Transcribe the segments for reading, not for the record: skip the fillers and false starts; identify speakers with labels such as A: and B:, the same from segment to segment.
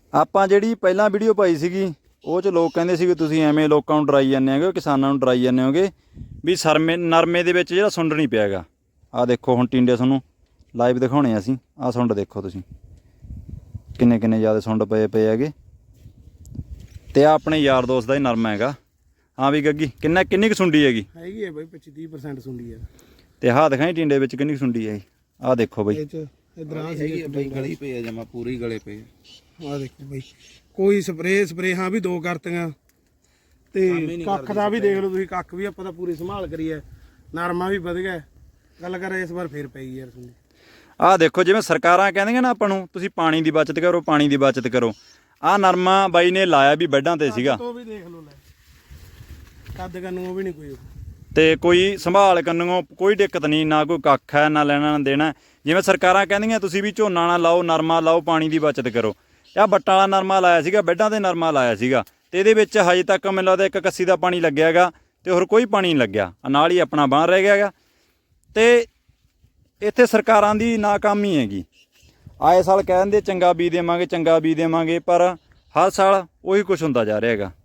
A: ਆਪਾਂ ਜਿਹੜੀ ਪਹਿਲਾਂ ਵੀਡੀਓ ਪਾਈ ਸੀਗੀ ਉਹ 'ਚ ਲੋਕ ਕਹਿੰਦੇ ਸੀ ਵੀ ਤੁਸੀਂ ਐਵੇਂ ਲੋਕਾਂ ਨੂੰ ਡਰਾਈ ਜਾਂਦੇ ਹੋਗੇ, ਕਿਸਾਨਾਂ ਨੂੰ ਡਰਾਈ ਜਾਂਦੇ ਹੋਗੇ ਵੀ ਨਰਮੇ ਦੇ ਵਿੱਚ ਜਿਹੜਾ ਸੁੰਡ ਨਹੀਂ ਪਿਆ ਹੈਗਾ। ਆਹ ਦੇਖੋ ਹੁਣ ਟਿੰਡੇ ਤੁਹਾਨੂੰ ਲਾਈਵ ਦਿਖਾਉਣੇ ਅਸੀਂ। ਆਹ ਸੁੰਡ ਦੇਖੋ ਤੁਸੀਂ ਕਿੰਨੇ ਕਿੰਨੇ ਜ਼ਿਆਦਾ ਸੁੰਡ ਪਏ ਹੈਗੇ। ਤੇ ਆ ਆਪਣੇ ਯਾਰ ਦੋਸਤ ਦਾ ਹੀ ਨਰਮਾ ਹੈਗਾ। ਹਾਂ ਵੀ ਗੱਗੀ ਕਿੰਨੀ ਕੁ ਸੁੰਡੀ ਹੈਗੀ
B: ਹੈ ਬਾਈ 25-30% ਸੁੰਡੀ ਹੈ।
A: ਤੇ ਆਹ ਦਿਖਾਈ ਟਿੰਡੇ ਵਿੱਚ ਕਿੰਨੀ ਕੁ ਸੁੰਡੀ ਹੈ। ਆਹ ਦੇਖੋ ਬਾਈ
B: ਇਧਰ ਆ ਹੈਗੀ
C: ਬਾਈ ਗਲੀ ਪਈ ਆ ਜਮਾ ਪੂਰੀ ਗਲੇ ਪਈ।
B: ਆਹ ਦੇਖੋ ਬਾਈ ਕੋਈ ਸਪਰੇ ਹਾਂ ਵੀ 2 ਕਰਤੀਆਂ ਤੇ ਕੱਖ ਦਾ ਵੀ ਦੇਖ ਲਓ ਤੁਸੀਂ। ਕੱਖ ਵੀ ਆਪਾਂ ਤਾਂ ਪੂਰੀ ਸੰਭਾਲ ਕਰੀ ਹੈ। ਨਰਮਾ ਵੀ ਵਧ ਗਿਆ। ਗੱਲ ਕਰ ਇਸ ਵਾਰ ਫੇਰ ਪਈ ਯਾਰ ਸੁਣੀ।
A: ਆਹ ਦੇਖੋ ਜਿਵੇਂ ਸਰਕਾਰਾਂ ਕਹਿੰਦੀਆਂ ਨਾ ਆਪਾਂ ਨੂੰ ਤੁਸੀਂ ਪਾਣੀ ਦੀ ਬਚਤ ਕਰੋ, ਪਾਣੀ ਦੀ ਬਚਤ ਕਰੋ। ਆਹ ਨਰਮਾ ਬਾਈ ਨੇ ਲਾਇਆ ਵੀ ਬੈੱਡਾਂ ਤੇ ਸੀਗਾ।
B: ਉਹ ਵੀ ਦੇਖ ਲਓ ਲੈ ਕੱਦ ਕੰਨੂ ਵੀ ਨਹੀਂ ਕੋਈ
A: ਤੇ ਕੋਈ ਸੰਭਾਲ ਕੰਨੋਂ ਕੋਈ ਦਿੱਕਤ ਨਹੀਂ, ਨਾ ਕੋਈ ਕੱਖ ਹੈ ਨਾ ਲੈਣਾ ਨਾ ਦੇਣਾ। ਜਿਵੇਂ ਸਰਕਾਰਾਂ ਕਹਿੰਦੀਆਂ ਤੁਸੀਂ ਵੀ ਝੋਨਾ ਨਾ ਲਾਓ, ਨਰਮਾ ਲਾਓ, ਪਾਣੀ ਦੀ ਬਚਤ ਕਰੋ। ਆਹ ਬੱਟਾਂ ਵਾਲਾ ਨਰਮਾ ਲਾਇਆ ਸੀਗਾ, ਬੈੱਡਾਂ 'ਤੇ ਨਰਮਾ ਲਾਇਆ ਸੀਗਾ ਤੇ ਇਹਦੇ ਵਿੱਚ ਹਜੇ ਤੱਕ ਮੈਨੂੰ ਲੱਗਦਾ 1 ਕੱਸੀ ਦਾ ਪਾਣੀ ਲੱਗਿਆ ਹੈਗਾ ਤੇ ਹੋਰ ਕੋਈ ਪਾਣੀ ਨਹੀਂ ਲੱਗਿਆ। ਨਾਲ ਹੀ ਆਪਣਾ ਬਾਹਰ ਰਹਿ ਗਿਆ ਹੈਗਾ। ਤੇ ਇੱਥੇ ਸਰਕਾਰਾਂ ਦੀ ਨਾਕਾਮੀ ਹੈਗੀ। ਆਏ ਸਾਲ ਕਹਿੰਦੇ ਚੰਗਾ ਬੀਜ ਦੇਵਾਂਗੇ, ਚੰਗਾ ਬੀਜ ਦੇਵਾਂਗੇ, ਪਰ ਹਰ ਸਾਲ ਉਹੀ ਕੁਛ ਹੁੰਦਾ ਜਾ ਰਿਹਾ ਹੈਗਾ।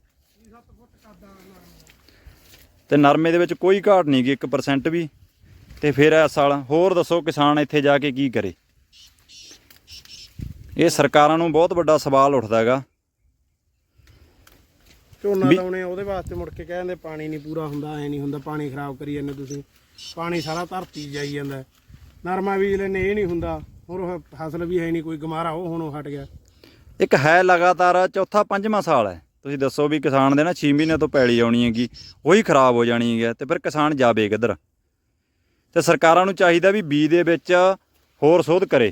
A: ਤੇ ਨਰਮੇ ਦੇ ਵਿੱਚ ਕੋਈ ਘਾਟ ਨਹੀਂ ਗੀ 1% ਵੀ। ਤੇ ਫਿਰ ਇਸ ਸਾਲ ਹੋਰ ਦੱਸੋ ਕਿਸਾਨ ਇੱਥੇ ਜਾ ਕੇ ਕੀ ਕਰੇ। ਇਹ ਸਰਕਾਰਾਂ ਨੂੰ ਬਹੁਤ ਵੱਡਾ ਸਵਾਲ ਉੱਠਦਾ ਹੈਗਾ।
B: ਝੋਨਾ ਲਾਉਣੇ ਉਹਦੇ ਵਾਸਤੇ ਮੁੜ ਕੇ ਕਹਿੰਦੇ ਪਾਣੀ ਨਹੀਂ ਪੂਰਾ ਹੁੰਦਾ, ਐ ਨਹੀਂ ਹੁੰਦਾ, ਪਾਣੀ ਖਰਾਬ ਕਰੀ ਜਾਂਦੇ ਤੁਸੀਂ, ਪਾਣੀ ਸਾਰਾ ਧਰਤੀ ਜਾਈ ਜਾਂਦਾ। ਨਰਮਾ ਬੀਜ ਲੈਨੇ ਇਹ ਨਹੀਂ ਹੁੰਦਾ। ਹੋਰ ਫਸਲ ਵੀ ਹੈ ਨਹੀਂ ਕੋਈ, ਗਮਾਰਾ ਉਹ ਹੁਣ ਹਟ ਗਿਆ।
A: ਇੱਕ ਹੈ ਲਗਾਤਾਰ ਚੌਥਾ 5ਵਾਂ ਸਾਲ ਹੈ। ਤੁਸੀਂ ਦੱਸੋ ਵੀ ਕਿਸਾਨ ਦੇ ਨਾ 6 ਮਹੀਨਿਆਂ ਤੋਂ ਪੈਲੀ ਆਉਣੀ ਹੈਗੀ, ਉਹੀ ਖਰਾਬ ਹੋ ਜਾਣੀ ਹੈ। ਤੇ ਫਿਰ ਕਿਸਾਨ ਜਾਵੇ ਕਿੱਧਰ। ਤੇ ਸਰਕਾਰਾਂ ਨੂੰ ਚਾਹੀਦਾ ਵੀ ਬੀਜ ਦੇ ਵਿੱਚ ਹੋਰ ਸੋਧ ਕਰੇ।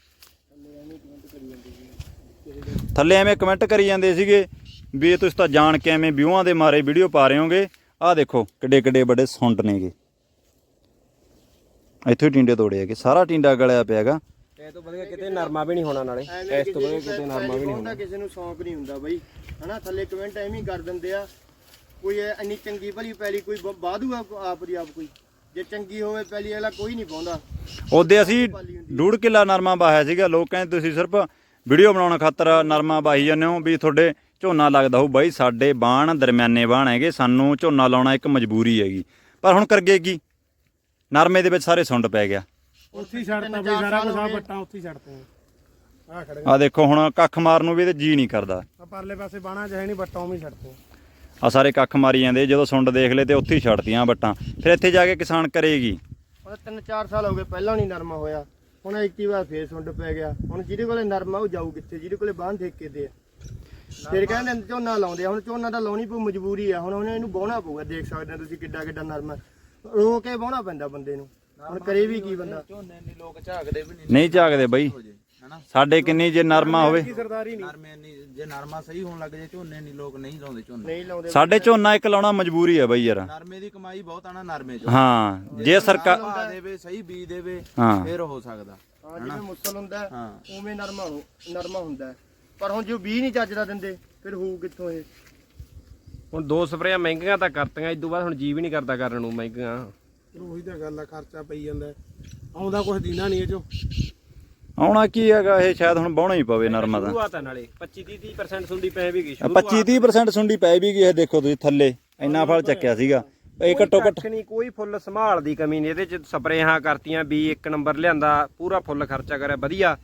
A: ਥੱਲੇ ਐਵੇਂ ਕਮੈਂਟ ਕਰੀ ਜਾਂਦੇ ਸੀਗੇ ਵੀ ਤੁਸੀਂ ਤਾਂ ਜਾਣ ਕੇ ਐਵੇਂ ਵਿਊਆਂ ਦੇ ਮਾਰੇ ਵੀਡੀਓ ਪਾ ਰਹੇ ਹੋਗੇ। ਆਹ ਦੇਖੋ ਕਿੱਡੇ ਕਿੱਡੇ ਵੱਡੇ ਸੁੰਡ ਨੇਗੇ। ਇੱਥੋਂ ਹੀ ਟਿੰਡੇ ਤੋੜੇ ਹੈਗੇ, ਸਾਰਾ ਟਿੰਡਾ ਗਲਿਆ ਪਿਆ ਹੈਗਾ।
D: ਇਹ ਤੋਂ ਵਧੀਆ ਕਿਤੇ ਨਰਮਾ ਵੀ ਨਹੀਂ ਹੋਣਾ, ਨਾਲੇ ਇਸ ਤੋਂ ਵਧੀਆ ਕਿਤੇ ਨਰਮਾ ਵੀ ਨਹੀਂ ਹੋਣਾ।
E: ਕਿਸੇ ਨੂੰ ਸ਼ੌਂਕ ਨਹੀਂ ਹੁੰਦਾ ਬਾਈ ਹਨਾ। ਥੱਲੇ ਕਮੈਂਟ ਐਵੇਂ ਹੀ ਕਰ ਦਿੰਦੇ ਆ। ਕੋਈ ਇੰਨੀ ਚੰਗੀ ਭਲੀ ਪੈਲੀ ਕੋਈ ਵਾਧੂ ਆਪ ਦੀ ਆਪ ਕੋਈ ਜੇ ਚੰਗੀ ਹੋਵੇ ਪੈਲੀ ਵਾਲਾ ਕੋਈ ਨਹੀਂ ਪਾਉਂਦਾ।
A: ਉਹਦੇ ਅਸੀਂ 1.5 ਕਿੱਲਾ ਨਰਮਾ ਵਾਹਿਆ ਸੀਗਾ। ਲੋਕ ਕਹਿੰਦੇ ਤੁਸੀਂ ਸਿਰਫ ਵੀਡੀਓ ਬਣਾਉਣ ਖਾਤਰ ਨਰਮਾ ਵਾਹੀ ਜਾਂਦੇ ਹੋ ਵੀ ਤੁਹਾਡੇ ਝੋਨਾ ਲੱਗਦਾ ਹੋਊ। ਬਾਈ ਸਾਡੇ ਬਾਣ ਦਰਮਿਆਨੇ ਬਾਣ ਹੈਗੇ, ਸਾਨੂੰ ਝੋਨਾ ਲਾਉਣਾ ਇੱਕ ਮਜਬੂਰੀ ਹੈਗੀ। ਪਰ ਹੁਣ ਕਰਗੇ ਕੀ, ਨਰਮੇ ਦੇ ਵਿੱਚ ਸਾਰੇ ਸੁੰਡ ਪੈ ਗਿਆ।
B: ਉੱਥੇ ਹੀ ਛੱਡਤਾ ਬਈ ਸਾਰਾ ਕੁਝ। ਆ ਬੱਟਾਂ ਉੱਥੇ ਹੀ ਛੱਡਤੇ ਆ ਖੜੇ।
A: ਆਹ ਦੇਖੋ ਹੁਣ ਕੱਖ ਮਾਰਨ ਨੂੰ ਵੀ ਤੇ ਜੀ ਨਹੀਂ ਕਰਦਾ।
B: ਆ ਪਰਲੇ ਪਾਸੇ ਬਾਣਾ ਚ ਹੈ ਨਹੀਂ, ਬੱਟਾਂ ਉਵੇਂ ਹੀ ਛੱਡਤੇ।
A: ਆ ਸਾਰੇ ਕੱਖ ਮਾਰੀ ਜਾਂਦੇ। ਜਦੋਂ ਸੁੰਡ ਦੇਖ ਲਏ ਤੇ ਉੱਥੇ ਹੀ ਛੱਡਤੀਆਂ ਬੱਟਾਂ। ਫਿਰ ਇੱਥੇ ਜਾ ਕੇ ਕਿਸਾਨ ਕਰੇਗੀ।
E: 3-4 ਸਾਲ ਹੋ ਗਏ ਪਹਿਲਾਂ ਨਹੀਂ ਨਰਮਾ ਹੋਇਆ। ਹੁਣ ਇੱਕ ਹੀ ਵਾਰ ਫੇਰ ਸੁੰਡ ਪੈ ਗਿਆ। ਹੁਣ ਜਿਹਦੇ ਕੋਲੇ ਨਰਮਾ ਉਹ ਜਾਊ ਕਿੱਥੇ, ਜਿਹਦੇ ਕੋਲੇ ਬਾਂਹ ਠੇਕੇ ਤੇ ਆ। ਫਿਰ ਕਹਿੰਦੇ ਝੋਨਾ ਲਾਉਂਦੇ ਆ। ਹੁਣ ਝੋਨਾ ਤਾਂ ਲਾਉਣੀ ਪਊ, ਮਜਬੂਰੀ ਆ। ਹੁਣ ਇਹਨੂੰ ਵਾਹੁਣਾ ਪਊਗਾ। ਦੇਖ ਸਕਦੇ ਹੋ ਤੁਸੀਂ ਕਿੱਡਾ ਕਿੱਡਾ ਨਰਮਾ ਰੋ ਕੇ ਵਾਹੁਣਾ ਪੈਂਦਾ ਬੰਦੇ ਨੂੰ। ਹੁਣ ਕਰੇ ਵੀ ਕੀ ਬੰਦਾ।
C: ਝੋਨੇ ਨਹੀਂ ਲੋਕ ਝਾਕਦੇ ਵੀ
A: ਨਹੀਂ ਝਾਕਦੇ ਬਈ ਸਾਡੇ ਕਿੰਨੀ ਜੇ ਨਰਮਾ ਹੋਵੇ।
B: ਸਰਦਾਰੀ ਨਹੀਂ
C: ਨਰਮੇ ਨਹੀਂ, ਜੇ ਨਰਮਾ ਸਹੀ ਹੋਣ ਲੱਗ ਜੇ ਝੋਨੇ ਨਹੀਂ ਲੋਕ ਨਹੀਂ ਲਾਉਂਦੇ। ਝੋਨੇ
E: ਨਹੀਂ ਲਾਉਂਦੇ
A: ਸਾਡੇ ਝੋਨਾ ਇੱਕ ਲਾਉਣਾ ਮਜਬੂਰੀ ਹੈ ਬਈ ਯਾਰ।
C: ਨਰਮੇ ਦੀ ਕਮਾਈ ਬਹੁਤ ਆਣਾ ਨਰਮੇ ਚ।
A: ਹਾਂ ਜੇ ਸਰਕਾਰ
C: ਦੇਵੇ ਸਹੀ ਬੀਜ ਦੇਵੇ
A: ਹਾਂ
C: ਫਿਰ ਹੋ ਸਕਦਾ।
E: ਹਾਂ ਜਿਵੇਂ ਮੁਸਲ ਹੁੰਦਾ
C: ਹਾਂ
E: ਉਵੇਂ ਨਰਮਾ ਹੁੰਦਾ। ਪਰ ਹੁਣ ਜੋ ਬੀਜ ਨਹੀਂ ਚੱਜਦਾ ਦਿੰਦੇ ਫਿਰ ਹੋਊ ਕਿੱਥੋਂ ਇਹ।
D: ਹੁਣ 2 ਸਪਰੇਆਂ ਮਹਿੰਗੀਆਂ ਤਾਂ ਕਰਤੀਆਂ, ਇਸ ਤੋਂ ਬਾਅਦ ਹੁਣ ਜੀ ਵੀ ਨਹੀਂ ਕਰਦਾ ਕਰਨ ਨੂੰ ਮਹਿੰਗੀਆਂ।
B: ਉਹੀ ਤਾਂ ਗੱਲ ਆ, ਖਰਚਾ ਪਈ ਜਾਂਦਾ। ਆਉਂਦਾ ਕੁਝ ਦਿੰਦਾ ਨਹੀਂ ਇਹ ਚੋਂ।
A: ਆਉਣਾ ਕੀ ਹੈਗਾ, ਇਹ ਸ਼ਾਇਦ ਹੁਣ ਵਾਹੁਣਾ ਹੀ ਪਵੇ ਨਰਮਾ ਦਾ।
D: ਸ਼ੁਰੂਆਤ ਆ ਨਾਲੇ 25-30% ਸੁੰਡੀ ਪੈ ਵੀ ਗਈ।
A: 25-30% ਸੁੰਡੀ ਪੈ ਵੀ ਗਈ। ਇਹ ਦੇਖੋ ਤੁਸੀਂ ਥੱਲੇ ਇੰਨਾ ਫਲ ਚੱਕਿਆ ਸੀਗਾ। ਇਹ ਘੱਟੋ ਘੱਟ
D: ਨਹੀਂ ਕੋਈ ਫੁੱਲ ਸੰਭਾਲ ਦੀ ਕਮੀ ਨਹੀਂ। ਇਹਦੇ ਚ ਸਪਰੇਆਂ ਕਰਤੀਆਂ, ਵੀ 1 ਨੰਬਰ ਲਿਆਂਦਾ, ਪੂਰਾ ਫੁੱਲ ਖਰਚਾ ਕਰਿਆ ਵਧੀਆ।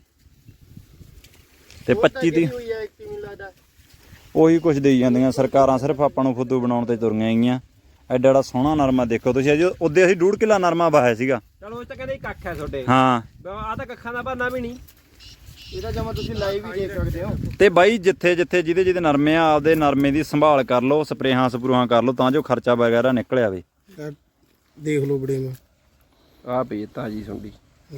A: ਤੇ 25-30
E: ਹੋਈ ਹੈ ਕਿਵੇਂ ਲੱਗਦਾ।
A: ਉਹੀ ਕੁਝ ਦੇਈ ਜਾਂਦੀਆਂ ਸਰਕਾਰਾਂ। ਸਿਰਫ ਆਪਾਂ ਨੂੰ ਫੁੱਦੂ ਬਣਾਉਣ ਤੇ ਤੁਰੀਆਂ ਹੈਗੀਆਂ। ਐਡਾ ਐਡਾ ਸੋਹਣਾ ਨਰਮਾ ਦੇਖੋ ਤੁਸੀਂ। ਅਜੇ ਉਹਦੇ ਅਸੀਂ 1.5 ਕਿੱਲਾ ਨਰਮਾ ਵਾਹਿਆ ਸੀਗਾ।
D: ਚਲੋ ਇਹ ਤਾਂ ਕਹਿੰਦੇ ਕੱਖ ਹੈ ਤੁਹਾਡੇ।
A: ਹਾਂ
D: ਆ ਤਾਂ ਕੱਖਾਂ ਦਾ ਬਹਾਨਾ ਵੀ ਨਹੀਂ।
E: ਇਹਦਾ ਜਮਾ ਤੁਸੀਂ ਲਾਈਵ ਵੀ ਦੇਖ ਸਕਦੇ ਹੋ।
A: ਤੇ ਬਾਈ ਜਿੱਥੇ ਜਿਹਦੇ ਨਰਮੇ ਆ ਆਪਦੇ ਨਰਮੇ ਦੀ ਸੰਭਾਲ ਕਰ ਲਓ, ਸਪਰੇਹਾਂ ਸਪਰੂਹਾਂ ਕਰ ਲਓ ਤਾਂ ਜੋ ਖਰਚਾ ਵਗੈਰਾ ਨਿਕਲ ਆਵੇ।
B: ਦੇਖ ਲਓ ਬੜੇਵੇਂ
D: ਆ ਪਈ ਤਾਜੀ ਸੁੰਡੀ।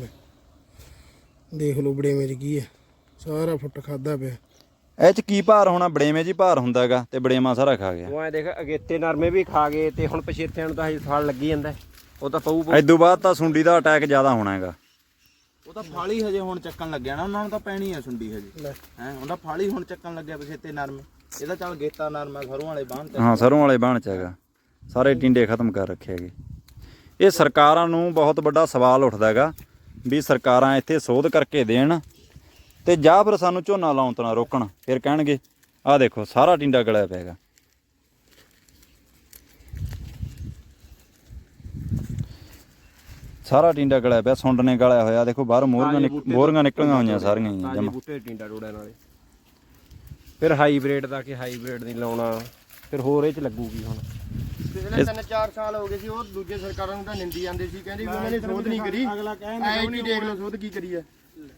B: ਦੇਖ ਲਓ ਬੜੇਵੇਂ ਚ ਕੀ ਹੈ, ਸਾਰਾ ਫੁੱਟ ਖਾਦਾ ਪਿਆ।
A: ਇਹ ਚ ਕੀ ਭਾਰ ਹੋਣਾ, ਬੜੇਵੇਂ ਜੀ ਭਾਰ ਹੁੰਦਾ ਹੈਗਾ ਤੇ ਬੜੇਮਾ ਸਾਰਾ ਖਾ ਗਿਆ।
D: ਉਹ ਐ ਦੇਖ ਅਗੇਤੇ ਨਰਮੇ ਵੀ ਖਾ ਗਏ ਤੇ ਹੁਣ ਪਛੇਤਿਆਂ ਨੂੰ ਤਾਂ ਹਜੇ ਫਲ ਲੱਗੀ ਜਾਂਦਾ। ਉਹ ਤਾਂ ਪਊ
A: ਇਦੋਂ ਬਾਅਦ ਤਾਂ ਸੁੰਡੀ ਦਾ ਅਟੈਕ ਜ਼ਿਆਦਾ ਹੋਣਾ ਹੈਗਾ।
C: ਉਹ ਤਾਂ ਫਾਲੀ ਹਜੇ ਹੁਣ ਚੱਕਣ ਲੱਗਿਆ ਨਾ, ਉਹਨਾਂ ਨੂੰ ਤਾਂ ਪੈਣੀ ਆ ਸੁੰਡੀ ਹਜੇ ਹੈ। ਉਹਦਾ ਫਾਲੀ ਹੁਣ ਚੱਕਣ ਲੱਗਿਆ ਪਛੇਤੇ ਨਰਮੇ। ਇਹਦਾ ਚੱਲ ਗੇਤਾ ਨਰਮਾ ਸਰੋਂ ਵਾਲੇ ਬਾਣ ਤੇ।
A: ਹਾਂ ਸਰੋਂ ਵਾਲੇ ਬਾਣ ਚ ਹੈਗਾ। ਸਾਰੇ ਟਿੰਡੇ ਖਤਮ ਕਰ ਰੱਖੇ ਹੈਗੇ। ਇਹ ਸਰਕਾਰਾਂ ਨੂੰ ਬਹੁਤ ਵੱਡਾ ਸਵਾਲ ਉੱਠਦਾ ਹੈਗਾ ਵੀ ਸਰਕਾਰਾਂ ਇੱਥੇ ਸੋਧ ਕਰਕੇ ਦੇਣ ਤੇ ਜਾਂ ਫਿਰ ਸਾਨੂੰ ਝੋਨਾ ਲਾਉਣ ਤੋਂ ਨਾ ਰੋਕਣ। ਫਿਰ ਕਹਿਣਗੇ ਆਹ ਦੇਖੋ ਸਾਰਾ ਟਿੰਡਾ ਗਲਿਆ ਪਿਆਗਾ। ਸਾਰਾ ਟਿੰਡਾ ਗਲਿਆ ਪਿਆ, ਸੁੰਡ ਨੇ ਗਲਿਆ ਹੋਇਆ। ਦੇਖੋ ਬਾਹਰ ਮੋਹਰੀਆਂ ਨਿਕਲੀਆਂ ਹੋਈਆਂ ਸਾਰੀਆਂ ਹੀ ਜਮਾ।
D: ਬੂਟੇ ਟਿੰਡਾ ਟੋੜਿਆਂ ਨਾਲੇ। ਫਿਰ ਹਾਈਬ੍ਰਿਡ ਦਾ ਕਿ ਹਾਈਬ੍ਰਿਡ ਨਹੀਂ ਲਾਉਣਾ, ਫਿਰ ਹੋਰ ਇਹ ਚ ਲੱਗੂਗੀ ਹੁਣ।
E: ਪਿਛਲੇ 3-4 ਸਾਲ ਹੋ ਗਏ ਸੀ, ਉਹ ਦੂਜੇ ਸਰਕਾਰਾਂ ਨੂੰ ਤਾਂ ਨਿੰਦੀ ਜਾਂਦੇ ਸੀ, ਕਹਿੰਦੇ ਵੀ ਉਹਨਾਂ ਨੇ ਸੋਧ ਨਹੀਂ ਕਰੀ।
B: ਅਗਲਾ ਕਹਿੰਦਾ
E: ਐ ਕੀ ਦੇਖ ਲਓ ਸੋਧ ਕੀ ਕਰੀ ਹੈ।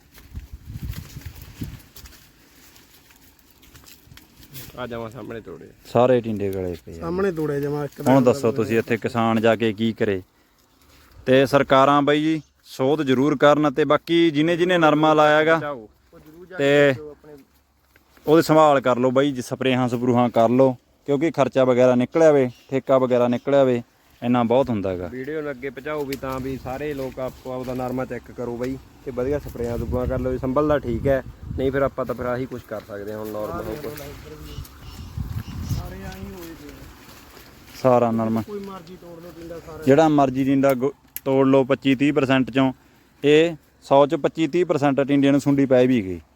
D: ਆ ਜਾਵਾਂ ਸਾਹਮਣੇ ਤੋੜੇ
A: ਸਾਰੇ ਟਿੰਡੇ ਗਲੇ ਪਏ ਆ।
B: ਸਾਹਮਣੇ ਤੋੜੇ ਜਮਾ ਇੱਕ
A: ਹੁਣ ਦੱਸੋ ਤੁਸੀਂ ਇੱਥੇ ਕਿਸਾਨ ਜਾ ਕੇ ਕੀ ਕਰੇ। ਤੇ ਸਰਕਾਰਾਂ ਬਈ ਜੀ ਸੋਧ ਜ਼ਰੂਰ ਕਰਨ। ਤੇ ਬਾਕੀ ਜਿਹਨੇ ਨਰਮਾ ਲਾਇਆਗਾ ਤੇ ਉਹਦੀ ਸੰਭਾਲ ਕਰ ਲਓ ਬਈ, ਸਪਰੇਹਾਂ ਸਪਰੂਹਾਂ ਕਰ ਲਓ, ਕਿਉਂਕਿ ਖਰਚਾ ਵਗੈਰਾ ਨਿਕਲਿਆ ਵੇ, ਠੇਕਾ ਵਗੈਰਾ ਨਿਕਲਿਆ ਵੇ, ਇੰਨਾ ਬਹੁਤ ਹੁੰਦਾ ਹੈਗਾ।
D: ਵੀਡੀਓ ਨੂੰ ਅੱਗੇ ਪਹੁੰਚਾਓ ਵੀ ਤਾਂ ਵੀ ਸਾਰੇ ਲੋਕ ਆਪੋ ਆਪਦਾ ਨਰਮਾ ਚੈੱਕ ਕਰੋ ਬਈ, ਤੇ ਵਧੀਆ ਸਪਰੇਆਂ ਦੁੱਬਾ ਕਰ ਲਓ। ਸੰਭਲਦਾ ਠੀਕ ਹੈ, ਨਹੀਂ ਫਿਰ ਆਪਾਂ ਤਾਂ ਫਿਰ ਆਹੀ ਕੁਝ ਕਰ ਸਕਦੇ ਹਾਂ ਹੁਣ ਨਾਰਮਲ ਹੋ ਕੇ।
B: ਸਾਰੇ ਆਹੀ ਹੋਏ ਪਏ ਆ।
A: ਸਾਰਾ ਨਰਮਾ
B: ਕੋਈ ਮਰਜ਼ੀ ਤੋੜ ਲਓ ਟਿੰਡਾ ਸਾਰਾ।
A: ਜਿਹੜਾ ਮਰਜ਼ੀ ਟਿੰਡਾ ਤੋੜ ਲਓ 25-30% ਚੋਂ, ਇਹ 100 ਚ 25-30% ਟਿੰਡਿਆਂ ਨੂੰ ਸੁੰਡੀ ਪੈ ਵੀ ਗਈ।